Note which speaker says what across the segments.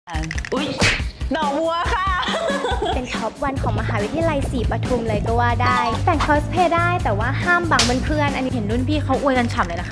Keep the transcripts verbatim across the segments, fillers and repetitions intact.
Speaker 1: อุ๊ยดอกบัวค่ะ
Speaker 2: เป็นท็อปวันของมหาวิทยาลัยศรีปทุมเลยก็ว่าได้ แต่งคอสเพลย์ได้แต่ว่าห้ามบังเพื่อนๆอันนี้
Speaker 1: เห็นรุ่นพี่เขาอวยกันฉ่ำเลยนะคะ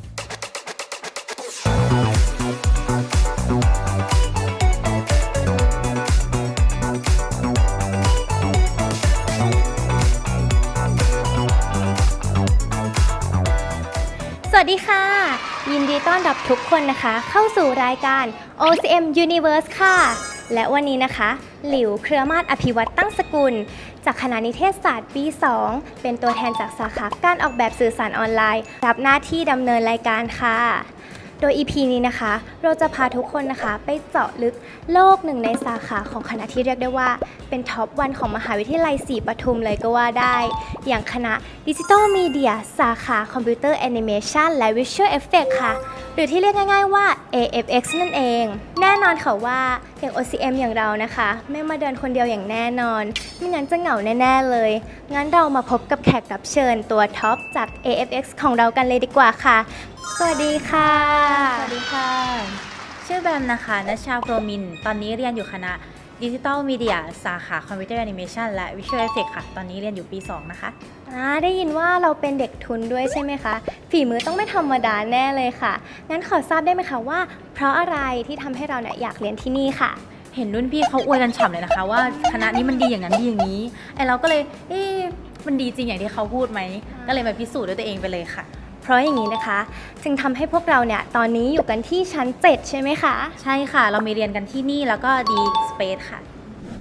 Speaker 2: สวัสดีค่ะ ยินดีต้อนรับทุกคนนะคะ เข้าสู่รายการ โอ ซี เอ็ม Universe ค่ะ และวันนี้นะคะ หลิวเครือมาศอภิวัตตั้งสกุล จากคณะนิเทศศาสตร์ปี สอง เป็นตัวแทนจากสาขาการออกแบบสื่อสารออนไลน์ รับหน้าที่ดำเนินรายการค่ะ โดย อี พี นี้นะคะ เราจะพาทุกคนนะคะ ไปเจาะลึกโลกหนึ่งในสาขาของคณะที่เรียกได้ว่าเป็นท็อปวันของมหาวิทยาลัยศรีปทุมเลยก็ว่าได้ อย่างคณะดิจิทัลมีเดียสาขาคอมพิวเตอร์แอนิเมชันและวิชวลเอฟเฟกต์ค่ะ หรือที่เรียกง่ายๆว่า เอ เอฟ เอ็กซ์ นั่นเอง แน่นอนค่ะว่าอย่าง โอ ซี เอ็ม อย่างเรานะคะ ไม่มาเดินคนเดียวอย่างแน่นอน ไม่งั้นจะเหงาแน่ๆเลย งั้นเรามาพบกับแขกรับเชิญตัวท็อปจาก เอ เอฟ เอ็กซ์ ของเรากันเลยดีกว่าค่ะ สวัสดีค่ะ
Speaker 1: สวัสดีค่ะ ชื่อแบมนะคะนัชชาโปรมิน ตอนนี้เรียนอยู่คณะดิจิทัลมีเดียสาขาคอมพิวเตอร์แอนิเมชันและวิชวลเอฟเฟกต์ค่ะ ตอนนี้เรียนอยู่ปี สอง นะคะ
Speaker 2: อ่าได้ยินว่าเราเป็นเด็กทุนด้วยใช่ไหมคะ ฝีมือต้องไม่ธรรมดาแน่เลยค่ะ งั้นขอทราบได้ไหมคะว่า เพราะอะไรที่ทำให้เราเนี่ยอยากเรียนที่นี่ค่ะ
Speaker 1: เห็นรุ่นพี่เขาอวยกันฉ่ำเลยนะคะ ว่าคณะนี้มันดีอย่างนั้นดีอย่างนี้ไอเราก็เลยเอ๊ะมันดีจริงอย่างที่เขาพูดไหม ก็เลยมาพิสูจน์ด้วยตัวเองไปเลยค่ะ
Speaker 2: เพราะอย่างนี้นะคะ จึงทำให้พวกเราเนี่ยตอนนี้อยู่กันที่ชั้น เจ็ด ใช่ไหมคะ
Speaker 1: ใช่ค่ะ เรามีเรียนกันที่นี่แล้วก็ดีสเปซค่ะ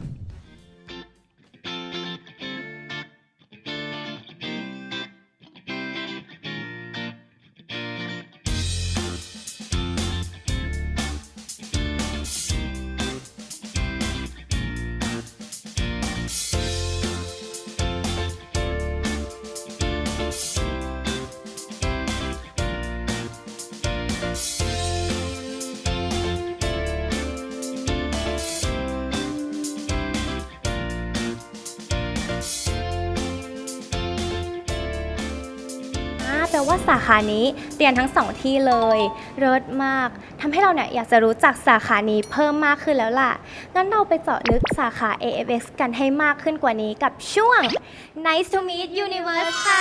Speaker 2: อ่าแปลว่าสาขานี้เรียนทั้งสองที่เลยเลิศมากทำให้เราเนี่ยอยากจะรู้จักสาขานี้เพิ่มมากขึ้นแล้วล่ะ งั้นเราไปเจาะลึกสาขา เอ เอฟ เอ็กซ์ กันให้มากขึ้นกว่านี้กับช่วง Nice to meet Universe ค่ะ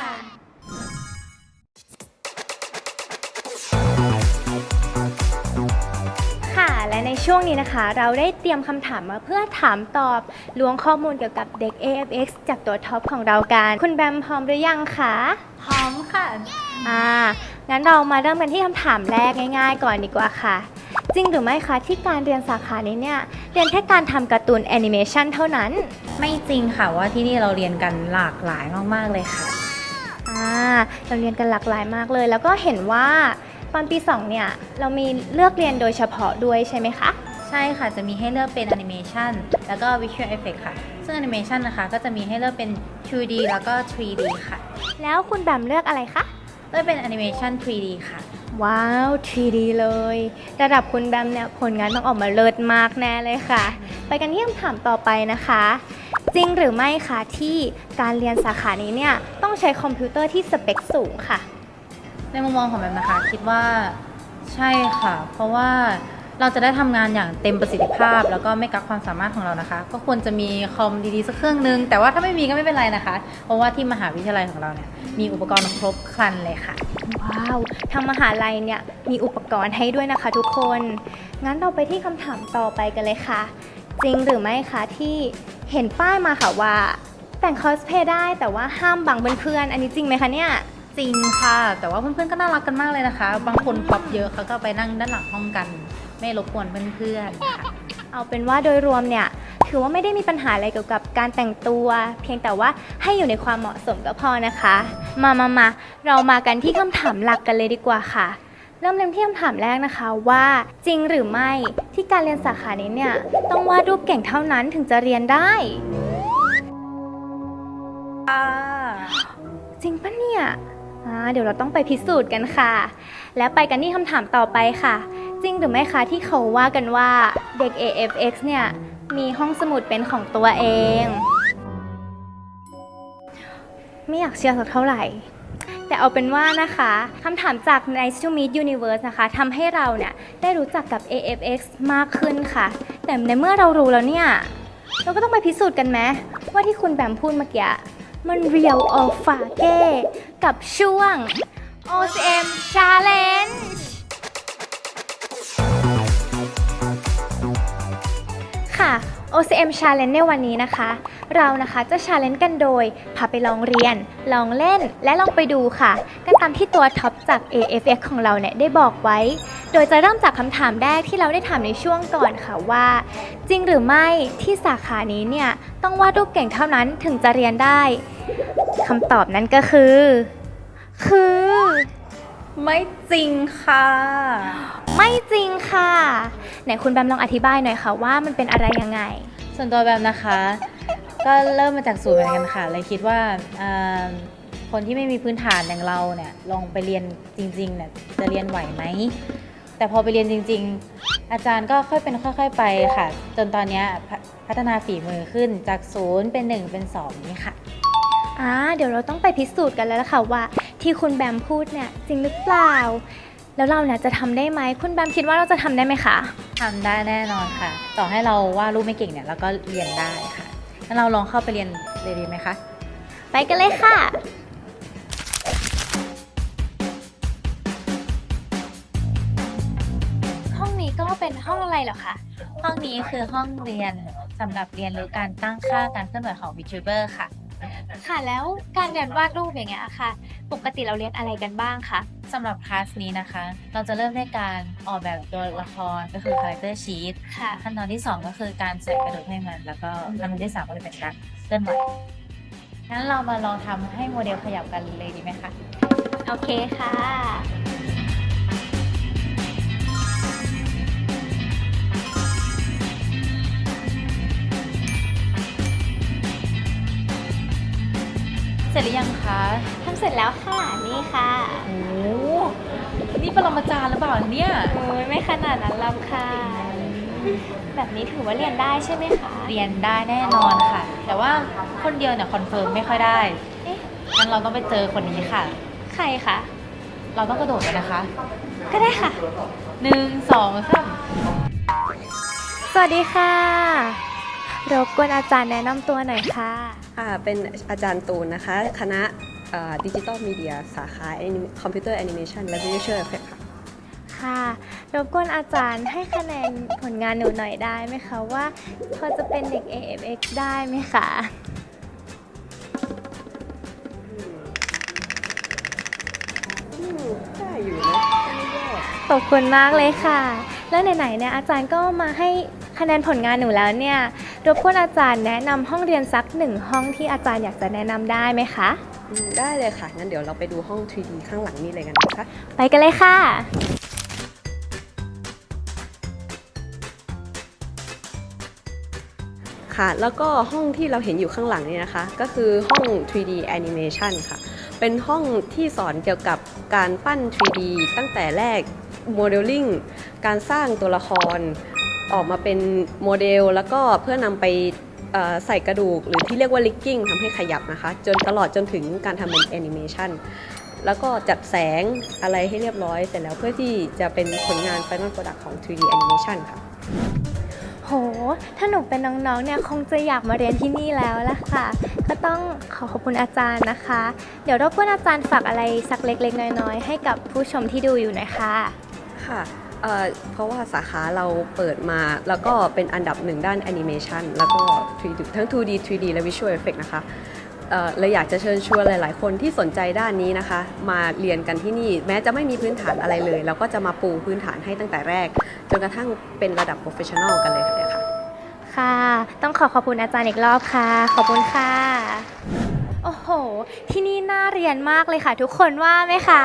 Speaker 2: ค่ะ และในช่วงนี้นะคะ เราได้เตรียมคำถามมาเพื่อถามตอบล้วงข้อมูลเกี่ยวกับเด็ก เอ เอฟ เอ็กซ์ จากตัวท็อปของเรากัน คุณแบมพร้อมหรือยังคะ
Speaker 1: พร้อมค่ะ
Speaker 2: อ่า งั้นเรามาเริ่มกันที่คำถามแรกง่ายๆก่อนดีกว่าค่ะ จริงหรือไม่คะที่การเรียนสาขานี้เนี่ย เรียนแค่การทำการ์ตูนแอนิเมชันเท่านั้น
Speaker 1: ไม่จริงค่ะว่าที่นี่เราเรียนกันหลากหลายมากๆเลยค่ะ
Speaker 2: อ่า เราเรียนกันหลากหลายมากเลย แล้วก็เห็นว่าตอนปีสองเนี่ย เรามีเลือกเรียนโดยเฉพาะด้วยใช่ไหมคะ
Speaker 1: ใช่ค่ะ จะมีให้เลือกเป็นแอนิเมชันแล้วก็วิชวลเอฟเฟกต์ค่ะ ซึ่งแอนิเมชันนะคะก็จะมีให้เลือกเป็น ทู ดี แล้วก็ ทรี ดี ค่ะ
Speaker 2: แล้วคุณแบมเลือกอะไรคะ
Speaker 1: เลือกเป็นแอนิเมชัน ทรี ดี ค่ะ
Speaker 2: ว้าว ทรี ดี เลย ระดับคุณแบมเนี่ยผลงานต้องออกมาเลิศมากแน่เลยค่ะ ไปกันที่คำถามต่อไปนะคะ จริงหรือไม่คะที่การเรียนสาขานี้เนี่ยต้องใช้คอมพิวเตอร์ที่สเปคสูงค่ะ
Speaker 1: ในมุมมองของแบบนะคะคิดว่าใช่ค่ะ เพราะว่าเราจะได้ทำงานอย่างเต็มประสิทธิภาพ แล้วก็ไม่กักความสามารถของเรานะคะ ก็ควรจะมีคอมดีๆสักเครื่องนึง แต่ว่าถ้าไม่มีก็ไม่เป็นไรนะคะ เพราะว่าที่มหาวิทยาลัยของเราเนี่ยมีอุปกรณ์ครบครันเลยค่ะ
Speaker 2: ว้าวทางมหาลัยเนี่ยมีอุปกรณ์ให้ด้วยนะคะทุกคน งั้นเราไปที่คำถามต่อไปกันเลยค่ะ จริงหรือไม่คะที่เห็นป้ายมาค่ะว่า แต่งคอสเพลย์ได้แต่ว่าห้ามบังเพื่อนๆอันนี้จริงไหมคะเนี่ย
Speaker 1: จริงค่ะ แต่ว่าเพื่อนๆก็น่ารักกันมากเลยนะคะ บางคนป๊อปเยอะเขาก็ไปนั่งด้านหลังห้องกัน ไม่รบกวนเพื่อนๆค่ะ
Speaker 2: เอาเป็นว่าโดยรวมเนี่ยถือว่าไม่ได้มีปัญหาอะไรเกี่ยวกับการแต่งตัว เพียงแต่ว่าให้อยู่ในความเหมาะสมก็พอนะคะ มามามาเรามากันที่คำถามหลักกันเลยดีกว่าค่ะ เริ่มเริ่มที่คำถามแรกนะคะว่าจริงหรือไม่ที่การเรียนสาขานี้เนี่ยต้องวาดรูปเก่งเท่านั้นถึงจะเรียนได้ จริงปะเนี่ยอ่าเดี๋ยวเราต้องไปพิสูจน์กันค่ะ แล้วไปกันที่คำถามต่อไปค่ะ จริงหรือไม่คะที่เขาว่ากันว่าเด็ก เอ เอฟ เอ็กซ์ เนี่ยมีห้องสมุดเป็นของตัวเอง ไม่อยากเชื่อสักเท่าไหร่แต่เอาเป็นว่านะคะคำถามจาก Nice to Meet Universe นะคะทำให้เราเนี่ยได้รู้จักกับ เอ เอฟ เอ็กซ์ มากขึ้นค่ะแต่ในเมื่อเรารู้แล้วเนี่ยเราก็ต้องไปพิสูจน์กันไหมว่าที่คุณแบมพูดเมื่อกี้มัน Real or Fake กับช่วง โอ ซี เอ็ม Challenge ค่ะ โอ ซี เอ็ม Challenge ในวันนี้นะคะเรานะคะจะ Challenge กันโดยพาไปลองเรียนลองเล่นและลองไปดูค่ะกันตามที่ตัวท็อปจาก เอ เอฟ เอ็กซ์ ของเราเนี่ยได้บอกไว้โดยจะเริ่มจากคำถามแรกที่เราได้ถามในช่วงก่อนค่ะว่าจริงหรือไม่ที่สาขานี้เนี่ยต้องวาดรูปเก่งเท่านั้นถึงจะเรียนได้คำตอบนั้นก็คือคือ
Speaker 1: ไม่จริงค่ะ
Speaker 2: ไม่จริงค่ะไหนคุณแบมลองอธิบายหน่อยค่ะว่ามันเป็นอะไรยังไง
Speaker 1: ส่วนตัวแบมนะคะก็เริ่มมาจากศูนย์เหมือนกันค่ะเลยคิดว่าคนที่ไม่มีพื้นฐานอย่างเราเนี่ยลองไปเรียนจริงๆเนี่ยจะเรียนไหวไหมแต่พอไปเรียนจริงๆอาจารย์ก็ค่อยเป็นค่อยๆไปค่ะจนตอนนี้พัฒนาฝีมือขึ้นจากศูนย์เป็นหนึ่งเป็นสองนี่ค่ะ
Speaker 2: อ่าเดี๋ยวเราต้องไปพิสูจน์กันแล้วล่ะค่ะว่าที่คุณแบมพูดเนี่ยจริงหรือเปล่าแล้วเราเนี่ยจะทำได้ไหมคุณแบมคิดว่าเราจะทำได้ไหมคะ
Speaker 1: ทำได้แน่นอนค่ะต่อให้เราวาดรูปไม่เก่งเนี่ยเราก็เรียนได้ค่ะงั้นเราลองเข้าไปเรียนเลยดีไหมคะ
Speaker 2: ไปกันเลยค่ะห้องนี้ก็เป็นห้องอะไรเหรอคะ
Speaker 1: ห้องนี้คือห้องเรียนสำหรับเรียนรู้การตั้งค่าการเคลื่อนไหวของ VTuber ค่ะ
Speaker 2: ค่ะแล้วการเรียนวาดรูปอย่างเงี้ยค่ะปกติเราเรียนอะไรกันบ้างคะ
Speaker 1: สำหรับคลาสนี้นะคะเราจะเริ่มด้วยการออกแบบตัวละครก็คือ character sheet
Speaker 2: ค่ะ
Speaker 1: ขั้นตอนที่สองก็คือการใส่กระดูกให้มันแล้วก็ขั้นตอนที่สามก็จะเป็นการเคลื่อนไหวงั้นเรามาลองทำให้โมเดลขยับกันเลยดีไหมคะ
Speaker 2: โอเคค่ะ
Speaker 1: เสร็จหรือยังคะ
Speaker 2: ทำเสร็จแล้วค่ะนี่ค่ะ
Speaker 1: โอ้นี่ปรมาจารย์หรือเปล่าเนี่ย
Speaker 2: โอ้ยไม่ขนาดนั้นหรอกค่ะแบบนี้ถือว่าเรียนได้ใช่ไหมคะ
Speaker 1: เรียนได้แน่นอนค่ะแต่ว่าคนเดียวเนี่ยคอนเฟิร์มไม่ค่อยได้เอ๊ะงั้นเราต้องไปเจอคนนี้ค่ะ
Speaker 2: ใครคะ
Speaker 1: เราต้องกระโดดกันนะคะ
Speaker 2: ก็ได้ค่ะ
Speaker 1: หนึ่งสองสาม
Speaker 2: สวัสดีค่ะรบกวนอาจารย์แนะนำตัวหน่อยค่ะ
Speaker 3: ค่ะเป็นอาจารย์ตูนนะคะคณะดิจิตอลมีเดียสาขาคอมพิวเตอร์แอนิเมชันและวิชวลเอฟเฟคค่ะ
Speaker 2: ค่ะรบกวนอาจารย์ให้คะแนนผลงานหนูหน่อยได้ไหมคะว่าพอจะเป็นเด็ก เอ เอฟ เอ็กซ์ ได้ไหมคะ
Speaker 3: ได้อยู่นะ
Speaker 2: ขอบคุณมากเลยค่ะแล้วไหนๆเนี่ยอาจารย์ก็มาให้คะแนนผลงานหนูแล้วเนี่ยรบกวนอาจารย์แนะนำห้องเรียนสักหนึ่งห้องที่อาจารย์อยากจะแนะนำได้ไหมคะ
Speaker 3: ได้เลยค่ะงั้นเดี๋ยวเราไปดูห้อง ทรี ดี ข้างหลังนี้เลยกันนะคะ
Speaker 2: ไปกันเลยค่ะ
Speaker 3: ค่ะแล้วก็ห้องที่เราเห็นอยู่ข้างหลังนี้นะคะก็คือห้อง ทรี ดี Animation ค่ะเป็นห้องที่สอนเกี่ยวกับการปั้น ทรี ดี ตั้งแต่แรกโมเดลลิ่งการสร้างตัวละครออกมาเป็นโมเดลแล้วก็เพื่อนำไปใส่กระดูกหรือที่เรียกว่าลิกกิ้งทำให้ขยับนะคะจนตลอดจนถึงการทำเป็นแอนิเมชันแล้วก็จัดแสงอะไรให้เรียบร้อยเสร็จแล้วเพื่อที่จะเป็นผลงาน Final Product ของ ทรี ดี Animation ค่ะ
Speaker 2: โหถ้าหนูเป็นน้องๆเนี่ยคงจะอยากมาเรียนที่นี่แล้วล่ะค่ะก็ต้องขอขอบคุณอาจารย์นะคะเดี๋ยวรบกวนอาจารย์ฝากอะไรสักเล็กๆน้อยๆให้กับผู้ชมที่ดูอยู่หน่อยค่ะ
Speaker 3: ค่ะเอ่อเพราะว่าสาขาเราเปิดมาแล้วก็เป็นอันดับหนึ่งด้านแอนิเมชันแล้วก็ ทรี ดี ทั้ง ทู ดี ทรี ดี และ Visual Effect นะคะเอ่อเลยอยากจะเชิญชวนหลายๆคนที่สนใจด้านนี้นะคะมาเรียนกันที่นี่แม้จะไม่มีพื้นฐานอะไรเลยเราก็จะมาปูพื้นฐานให้ตั้งแต่แรกจนกระทั่งเป็นระดับ Professional กันเลยค่ะ
Speaker 2: ค่ะต้องขอขอบคุณอาจารย์อีกรอบค่ะขอบคุณค่ะโอ้โหที่นี่น่าเรียนมากเลยค่ะทุกคนว่าไหมคะ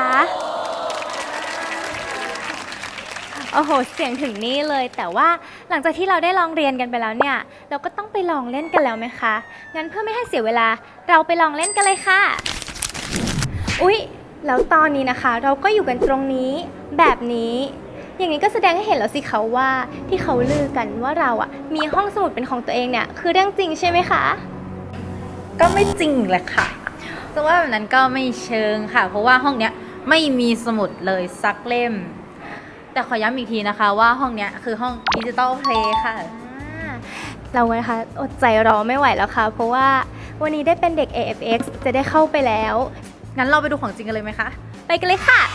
Speaker 2: โอ้โหเสียงถึงนี่เลยแต่ว่าหลังจากที่เราได้ลองเรียนกันไปแล้วเนี่ยเราก็ต้องไปลองเล่นกันแล้วไหมคะงั้นเพื่อไม่ให้เสียเวลาเราไปลองเล่นกันเลยค่ะอุ๊ยแล้วตอนนี้นะคะเราก็อยู่กันตรงนี้แบบนี้อย่างนี้ก็แสดงให้เห็นแล้วสิเขาว่าที่เขาลือกันว่าเราอ่ะมีห้องสมุดเป็นของตัวเองเนี่ยคือเรื่องจริงใช่ไหมคะ
Speaker 1: ก็ไม่จริงแหละค่ะจะว่าแบบนั้นก็ไม่เชิงค่ะ เพราะว่าห้องเนี้ยไม่มีสมุดเลยสักเล่ม แต่ขอย้ำอีกทีนะคะว่าห้องเนี้ยคือห้องดิจิตอลเพลย์ค่ะ
Speaker 2: อ่าเรานะคะอดใจรอไม่ไหวแล้วค่ะ เพราะว่าวันนี้ได้เป็นเด็ก เอ เอฟ เอ็กซ์ จะได้เข้าไปแล้ว
Speaker 1: งั้นเราไปดูของจริงกันเลยไหมคะ
Speaker 2: ไปกันเลยค่ะ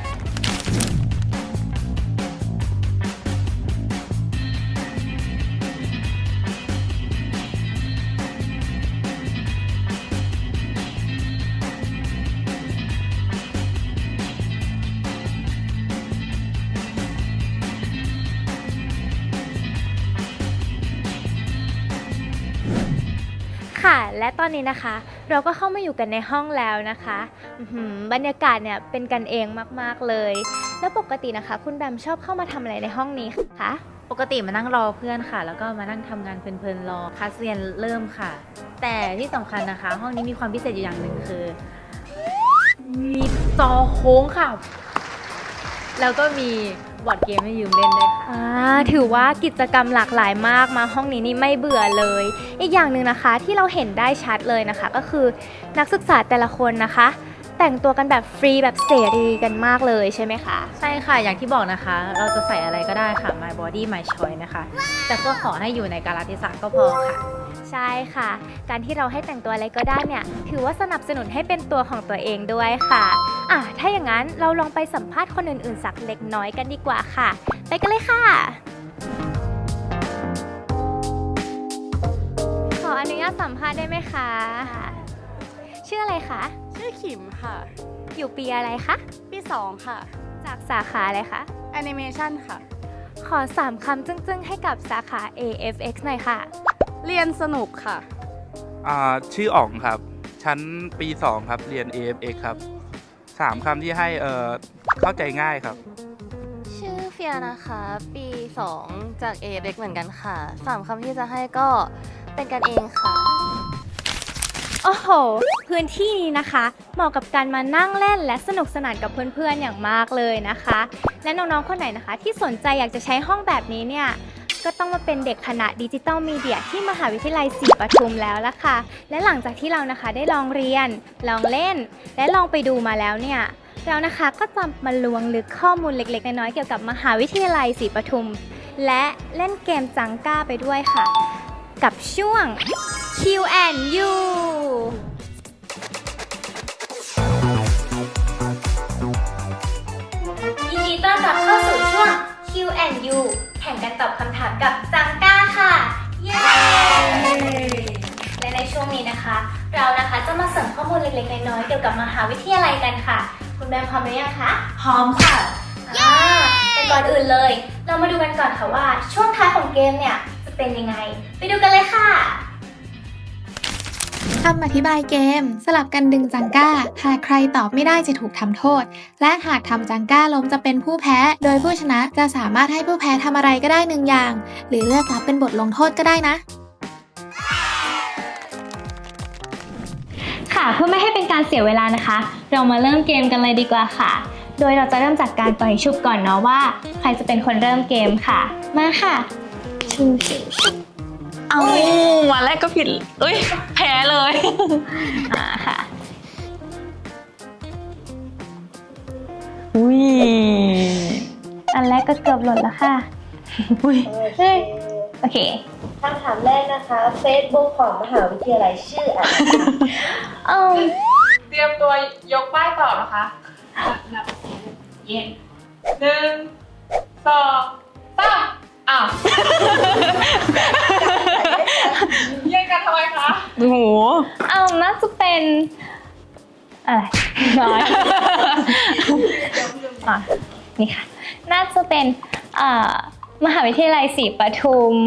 Speaker 2: ค่ะ และตอนนี้นะคะ เราก็เข้ามาอยู่กันในห้องแล้วนะคะอื้อหือบรรยากาศเนี่ยเป็นกันเองมากๆเลย แล้วปกตินะคะ คุณแบมชอบเข้ามาทำอะไรในห้องนี้คะ
Speaker 1: ปกติมานั่งรอเพื่อนค่ะ แล้วก็มานั่งทำงานเพลินๆรอคลาสเรียนเริ่มค่ะ แต่ที่สำคัญนะคะ ห้องนี้มีความพิเศษอยู่อย่างหนึ่งคือ มีจอโค้งค่ะ แล้วก็มีบอร์ดเกมให้ยืมเล่นด้วยค่ะ
Speaker 2: อ่าถือว่ากิจกรรมหลากหลายมากมาห้องนี้นี่ไม่เบื่อเลย อีกอย่างหนึ่งนะคะที่เราเห็นได้ชัดเลยนะคะ ก็คือนักศึกษาแต่ละคนนะคะ แต่งตัวกันแบบฟรีแบบเสรีกันมากเลยใช่ไหมคะ
Speaker 1: ใช่ค่ะ อย่างที่บอกนะคะ เราจะใส่อะไรก็ได้ค่ะ my body my choice นะคะ แต่ก็ขอให้อยู่ในกาลเทศะก็พอค่ะ
Speaker 2: ใช่ค่ะ การที่เราให้แต่งตัวอะไรก็ได้เนี่ยถือว่าสนับสนุนให้เป็นตัวของตัวเองด้วยค่ะอ่ะถ้าอย่างนั้นเราลองไปสัมภาษณ์คนอื่นๆสักเล็กน้อยกันดีกว่าค่ะ ไปกันเลยค่ะ ขออนุญาตสัมภาษณ์ได้ไหมคะ ชื่ออะไรคะ
Speaker 4: ชื่อขิมค่ะ
Speaker 2: อยู่ปีอะไรคะ
Speaker 4: ปีสองค่ะ
Speaker 2: จากสาขาอะไรคะ
Speaker 4: แอนิเมชันค่ะ
Speaker 2: ขอสามคำจึ้งๆให้กับสาขา เอ เอฟ เอ็กซ์ หน่อยค่ะ
Speaker 4: เรียนสนุกค่ะ
Speaker 5: อ่าชื่ออ๋องครับ ชั้นปีสองครับ เรียน เอ เอฟ เอ็กซ์ ครับสามคำที่ให้เอ่อเข้าใจง่ายครับ
Speaker 6: ชื่อเฟียนะคะ ปีสองจาก เอ เอฟ เอ็กซ์ เหมือนกันค่ะสามคำที่จะให้ก็เป็นกันเองค่ะ
Speaker 2: โอ้โห พื้นที่นี้นะคะเหมาะกับการมานั่งเล่นและสนุกสนานกับเพื่อนๆอย่างมากเลยนะคะ และน้องๆคนไหนนะคะ ที่สนใจอยากจะใช้ห้องแบบนี้เนี่ยก็ต้องมาเป็นเด็กคณะดิจิตอลมีเดียที่มหาวิทยาลัยศรีปทุมแล้วล่ะค่ะและหลังจากที่เรานะคะได้ลองเรียนลองเล่น และลองไปดูมาแล้วเนี่ยเรานะคะก็จะมาลวงลึกข้อมูลเล็กๆน้อยๆเกี่ยวกับมหาวิทยาลัยศรีปทุม และเล่นเกมจังก้าไปด้วยค่ะ กับช่วง คิว แอนด์ ยู ยินดีต้อนรับเข้าสู่ช่วง คิว แอนด์ ยู แข่งกันตอบคำถามกับจังก้าค่ะ เย้ และในช่วงนี้นะคะ เรานะคะจะมาเสริมข้อมูลเล็กๆน้อยๆเกี่ยวกับมหาวิทยาลัยกันค่ะ คุณแบมพร้อมหรือยังคะ
Speaker 1: พร้อมค่ะ
Speaker 2: อ่าแต่ก่อนอื่นเลย เรามาดูกันก่อนค่ะว่าช่วงท้ายของเกมเนี่ยจะเป็นยังไง ไปดูกันเลยค่ะ
Speaker 7: คำอธิบายเกม สลับกันดึงจังก้า หากใครตอบไม่ได้จะถูกทำโทษ และหากทำจังก้าล้มจะเป็นผู้แพ้ โดยผู้ชนะจะสามารถให้ผู้แพ้ทำอะไรก็ได้หนึ่งอย่าง หรือเลือกรับเป็นบทลงโทษก็ได้นะ
Speaker 2: ค่ะเพื่อไม่ให้เป็นการเสียเวลานะคะ เรามาเริ่มเกมกันเลยดีกว่าค่ะ โดยเราจะเริ่มจากการปล่อยชุบก่อนเนาะว่า ใครจะเป็นคนเริ่มเกมค่ะ มาค่ะชูชูชู
Speaker 4: เอาวันแรกก็ผิดเอ้ย แพ้เลย
Speaker 2: อ่าค่ะ
Speaker 4: อุ้ย
Speaker 2: อันแรกก็เกือบหล่นแล้วค่ะ
Speaker 4: อุ้ย
Speaker 2: เฮ้ยโอเคคำถามแรกนะคะ Facebook ของมหาวิทยาลัยชื่ออะไรเออ
Speaker 8: เตรียมตัวยกป้ายตอบนะคะนับเย็นหนึ่งสองสามอ้าวแย่งกันทำไมคะ
Speaker 4: โอ้โห
Speaker 2: เอาน่าจะเป็นอะไรน้อยอ่ะนี่ค่ะ น่าจะเป็นเอ่อมหาวิทยาลัยศรีปทุม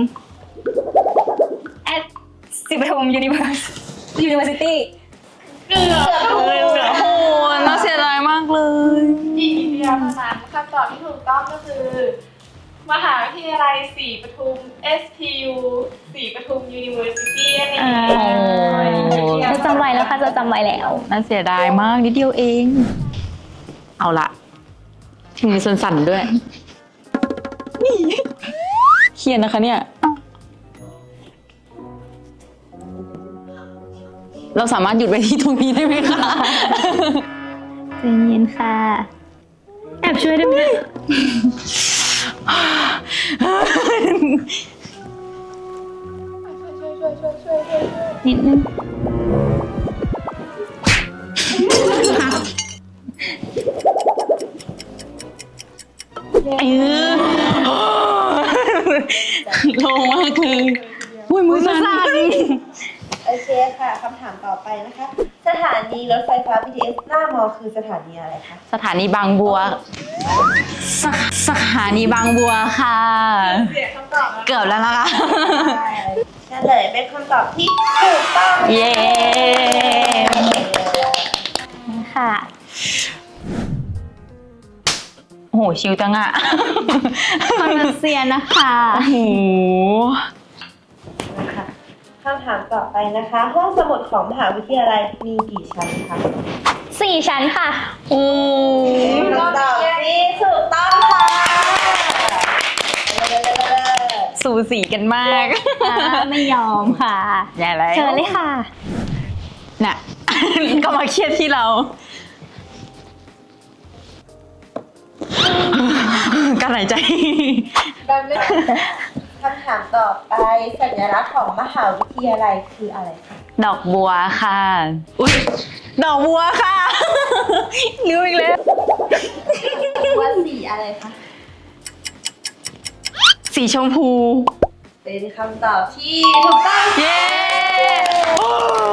Speaker 2: at ศรีปทุม Universe University
Speaker 8: เกือบ
Speaker 4: โอ้โหน่าเสียดายมากเลย
Speaker 8: อีกนิดเดียวเท่านั้นคำตอบที่ถูกต้องก็คือ มหาวิทยาลัยศรีปทุม เอส พี ยู ศรีปทุม University นั่นเอง
Speaker 2: อ่าจะจำไว้แล้วค่ะจะจำไว้แล้ว
Speaker 4: น่าเสียดายมากนิดเดียวเอง เอาละถึงมีส่วนสั่นด้วยนี่เครียดนะคะเนี่ยเราสามารถหยุดไว้ที่ตรงนี้ได้ไหมคะ
Speaker 2: ใจเย็นค่ะ แอบช่วยได้ไหม นิดนึง
Speaker 4: เออโลงมากเลยอุ้ยมือสั่น
Speaker 9: โอเคค่ะคำถามต่อไปนะคะ สถานีรถไฟฟ้า บี ที เอส หน้ามอคือสถานีอะไรคะ
Speaker 4: สถานีบางบัว สสถานีบางบัวค่ะ
Speaker 8: เสียคำตอบนะ
Speaker 4: เกือบแล้วนะคะ
Speaker 9: เฉลยเป็นคำตอบที่ถูกต้อง
Speaker 4: เย้
Speaker 2: ค่ะ
Speaker 4: โอ้โห ชิวจังอะ
Speaker 2: คอนเซียนะคะ
Speaker 4: โอ้โห
Speaker 9: นะคะคำถามต่อไปนะคะ ห้องสมุดของมหาวิทยาลัยมีกี่ชั้นคะ
Speaker 2: สี่ชั้นค่ะ
Speaker 4: โอ้
Speaker 9: เป็นคำตอบที่ถูกต้องค่ะ
Speaker 4: สูสีกันมาก
Speaker 2: ไม่ยอมค่ะ
Speaker 4: อย่าแล้ว
Speaker 2: เชิญเลยค่ะ
Speaker 4: น่ะ ก็มาเครียดที่เรา การหายใจ
Speaker 9: คำถามต่อไปสัญลักษณ์ของมหาวิทยาลัยคืออะไรคะ
Speaker 4: ดอกบัวค่ะ อุ๊ย ดอกบัวค่ะ ลืมอีกแล้ว
Speaker 9: ว่าสีอะไรคะ
Speaker 4: สีชมพู
Speaker 9: เป็นคำตอบที่ถูกต้อง
Speaker 4: เย้โอ้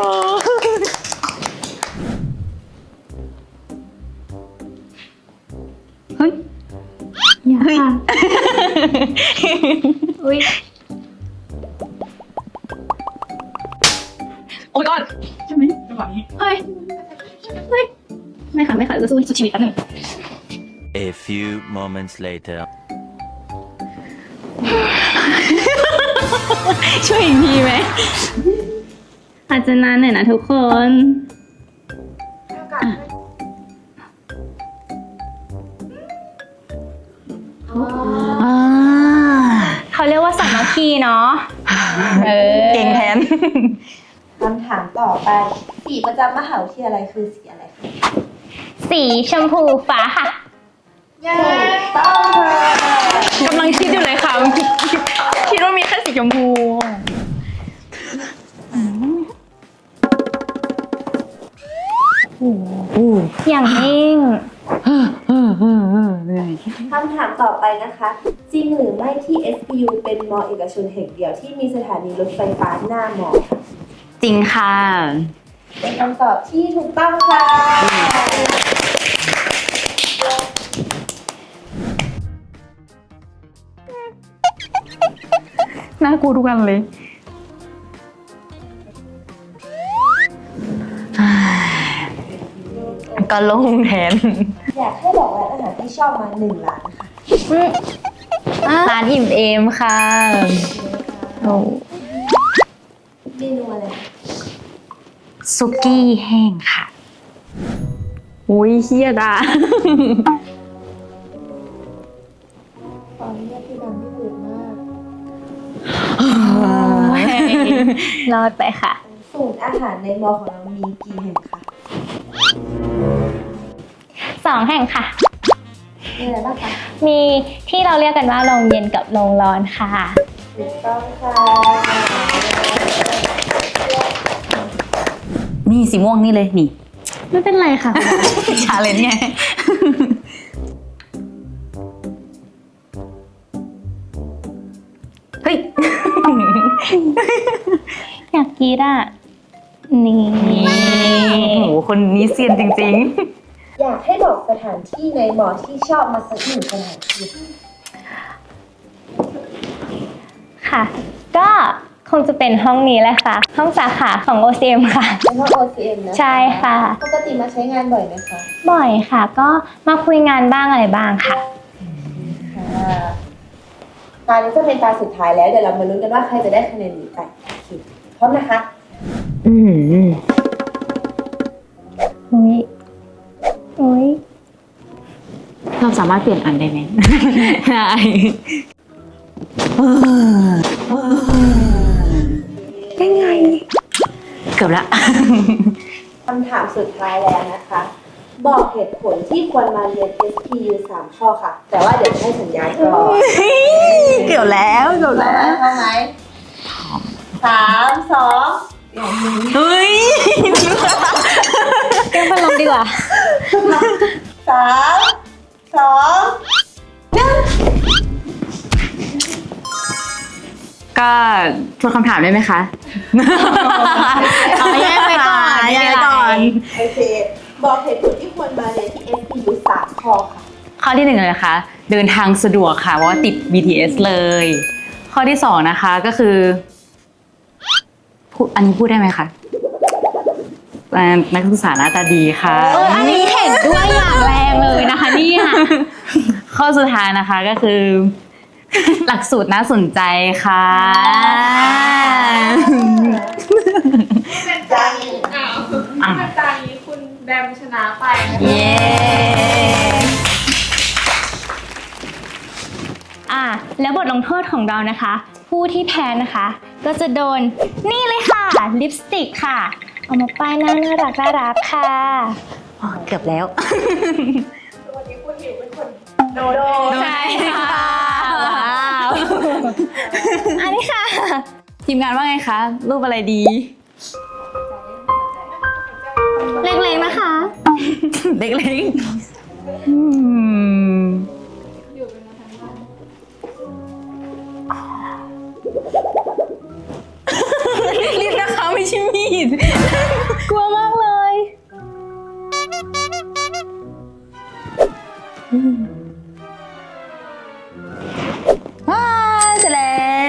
Speaker 4: เฮ้ย
Speaker 2: อย่าค่ะ อุ้ย
Speaker 4: โอ้ยก่อนใช่ไหมจังหวะนี้
Speaker 2: เฮ้ย เฮ้ย ไม่ค่ะ ไม่ค่ะจะสู้สุดชีวิตแป๊บนึง
Speaker 10: A few moments later.
Speaker 4: ช่วยอีกทีไหม
Speaker 2: อาจจะนานหน่อยนะทุกคน
Speaker 4: อ่า
Speaker 2: เขาเรียกว่าสามัคคีเนาะ เออ
Speaker 4: เก่งแทน
Speaker 9: คำถามต่อไปสีประจำมหาวิทยาลัยคือสีอะไรคะ
Speaker 2: สีชมพูฟ้าค่ะ
Speaker 9: ถูกต้องค่ะ
Speaker 4: กำลังคิดอยู่เลยค่ะ คิดว่ามีแค่สีชมพู
Speaker 2: อย่างนิ่ง
Speaker 9: คำถามต่อไปนะคะ จริงหรือไม่ที่ เอส พี ยู เป็นมอเอกชนแห่งเดียวที่มีสถานีรถไฟฟ้าหน้ามอค่ะ
Speaker 4: จริงค่ะ
Speaker 9: เป็นคำตอบที่ถูกต้องค่ะ
Speaker 4: น่ากลัวทุกอันเลย ก็โล่งแทน
Speaker 9: อยากให้บอกร้านอาหารที่ชอบมาหนึ่งร้านค่ะ
Speaker 4: ร้านอิ่มเอมค่ะ โอ้
Speaker 9: เมนูอะไรคะ
Speaker 4: ซุกี้แห้งค่ะ อุ้ยเฮียดา
Speaker 9: ตอนนี้พี่ดังที่อื่นมาก
Speaker 2: รอดไปค่ะ
Speaker 9: ศูนย์อาหารในมอของเรามีกี่แห่งคะ
Speaker 2: สองแห่งค่ะ
Speaker 9: มีอะไรบ้างคะ
Speaker 2: มีที่เราเรียกกันว่าโรงเย็นกับโรงร้อนค่ะ
Speaker 9: ถูกต้องค่ะ
Speaker 4: นี่สีม่วงนี่เลย นี่
Speaker 2: ไม่เป็นไรค่ะ
Speaker 4: ชาเลนจ์ไง เฮ้ย
Speaker 2: อยากกินอ่ะ นี่
Speaker 4: โอ้โห คนนี้เซียนจริง
Speaker 9: อยากให้บอกสถานที่ในมอที่ชอบมาสักหนึ่งสถานที่
Speaker 2: ค่ะ ก็คงจะเป็นห้องนี้แหละค่ะ ห้องสาขาของ โอ ซี เอ็ม ค่ะ
Speaker 9: เป็นห้อง โอ ซี เอ็ม นะคะ
Speaker 2: ใช่ค่ะ
Speaker 9: ปกติมาใช้งานบ่อยไหมคะ
Speaker 2: บ่อยค่ะ ก็มาคุยงานบ้างอะไรบ้างค่ะ
Speaker 9: ค่ะตานี้จะเป็นตาสุดท้ายแล้ว เดี๋ยวเรามาลุ้นกันว่าใครจะได้คะแนนนี้ไปโอเคพร้อมนะคะ
Speaker 4: ๆ อืม
Speaker 2: อุ้ยอุ้ย
Speaker 4: เราสามารถเปลี่ยนอันได้ไหม ได้
Speaker 2: ได้ไง
Speaker 4: เกือบละ
Speaker 9: คำถามสุดท้ายแล้วนะคะ บอกเหตุผลที่ควรมาเรียน เอส พี ยู สามข้อค่ะ แต่ว่าเดี๋ยวจะให้สัญญาณก่อน
Speaker 4: เกือบแล้วเกือบแล้ว
Speaker 9: พร้อมไหมสามสอง
Speaker 4: เฮ้ย
Speaker 2: เรื่องพัดลมดีกว่า
Speaker 9: สามสอง
Speaker 4: ก็ทวนคำถามได้ไหมคะ
Speaker 2: เอาแยกไปก่อน
Speaker 4: แยกไปก่อน
Speaker 9: โอเค บอกเหตุผลที่ควรมาเรียนที่ เอส พี ยู สามข้อค่ะ
Speaker 4: ข้อที่หนึ่งเลยนะคะ เดินทางสะดวกค่ะเพราะว่าติด บี ที เอส เลย ข้อที่สองนะคะก็คือพูดอันนี้พูดได้ไหมคะอ่านักศึกษาหน้าตาดีค่ะ
Speaker 2: เอออันนี้เห็นด้วยอย่างแรงเลยนะคะเนี่ย
Speaker 4: ข้อสุดท้ายนะคะก็คือ หลักสูตรน่าสนใจค่ะ
Speaker 8: เป็นจานนี้อ้าวเป็นจานนี้คุณแบมชนะไปนะคะ
Speaker 4: เย้
Speaker 2: อ่ะแล้วบทลงโทษของเรานะคะ ผู้ที่แพ้นะคะ ก็จะโดนนี่เลยค่ะลิปสติกค่ะ เอามาป้ายหน้าน่ารักน่ารักค่ะ
Speaker 4: อ๋อเกือบแล้ว
Speaker 8: วันนี้คุณหลิวเป็นคนโดน
Speaker 2: ใช่ค่ะอันนี้ค่ะ
Speaker 4: ทีมงานว่าไงคะ รูปอะไรดี
Speaker 2: เล็กๆนะคะ
Speaker 4: เล็กๆอืมรีบนะคะไม่ใช่มีด
Speaker 2: กลัวมากเลย
Speaker 4: ว้าเสร็จแล้ว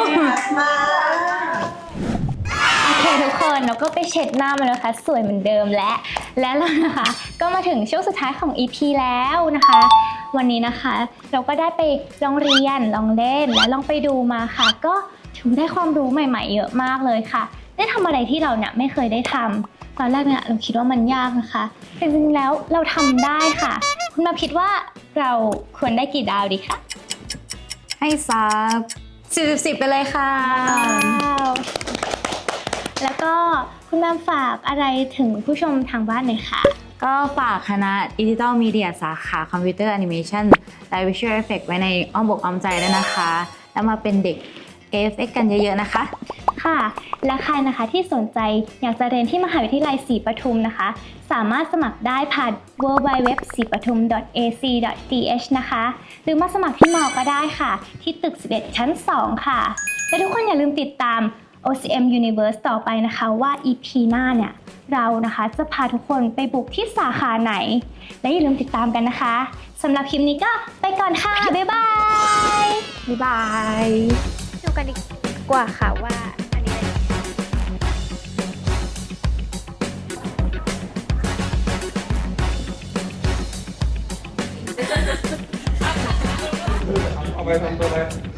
Speaker 2: โอเคทุกคนเราก็ไปเช็ดหน้ามาแล้วนะคะสวยเหมือนเดิมและและแล้วนะคะก็มาถึงช่วงสุดท้ายของ อี พี แล้วนะคะ วันนี้นะคะเราก็ได้ไปลองเรียนลองเล่นและลองไปดูมาค่ะ ก็ถือได้ความรู้ใหม่ๆเยอะมากเลยค่ะ ได้ทำอะไรที่เราเนี่ยไม่เคยได้ทำตอนแรกเนี่ยเราคิดว่ามันยากนะคะแต่จริงๆแล้วเราทำได้ค่ะ คุณมาคิดว่าเราควรได้กี่ดาวดีคะ
Speaker 4: ให้ซับสิบสิบไปเลยค่ะ
Speaker 2: แล้วก็คุณแม่ฝากอะไรถึงผู้ชมทางบ้านหน่อยค่ะ
Speaker 4: ก็ฝากคณะ Digital Media สาขาคอมพิวเตอร์แอนิเมชันและ Visual Effects ไว้ในอ้อมอกอ้อมใจด้วยนะคะ แล้วมาเป็นเด็ก เอ เอฟ เอ็กซ์ กันเยอะๆนะคะ
Speaker 2: ค่ะ และใครนะคะที่สนใจอยากจะเรียนที่มหาวิทยาลัยศรีปทุมนะคะ สามารถสมัครได้ผ่าน ดับเบิลยู ดับเบิลยู ดับเบิลยู ดอท ศรีปทุม ดอท เอ ซี ดอท ที เอช นะคะ หรือมาสมัครที่มอก็ได้ค่ะ ที่ตึกสิบเอ็ดชั้นสองค่ะ และทุกคนอย่าลืมติดตาม โอ ซี เอ็ม Universe ต่อไปนะคะว่า อี พี หน้าเนี่ยเรานะคะจะพาทุกคนไปบุกที่สาขาไหน และอย่าลืมติดตามกันนะคะสำหรับคลิปนี้ก็ไปก่อนค่ะ บ๊ายบาย
Speaker 4: บ๊ายบาย
Speaker 2: ดูกันดีกว่าค่ะว่าอันนี้อะไร
Speaker 5: เอาไปทำตัวอะไร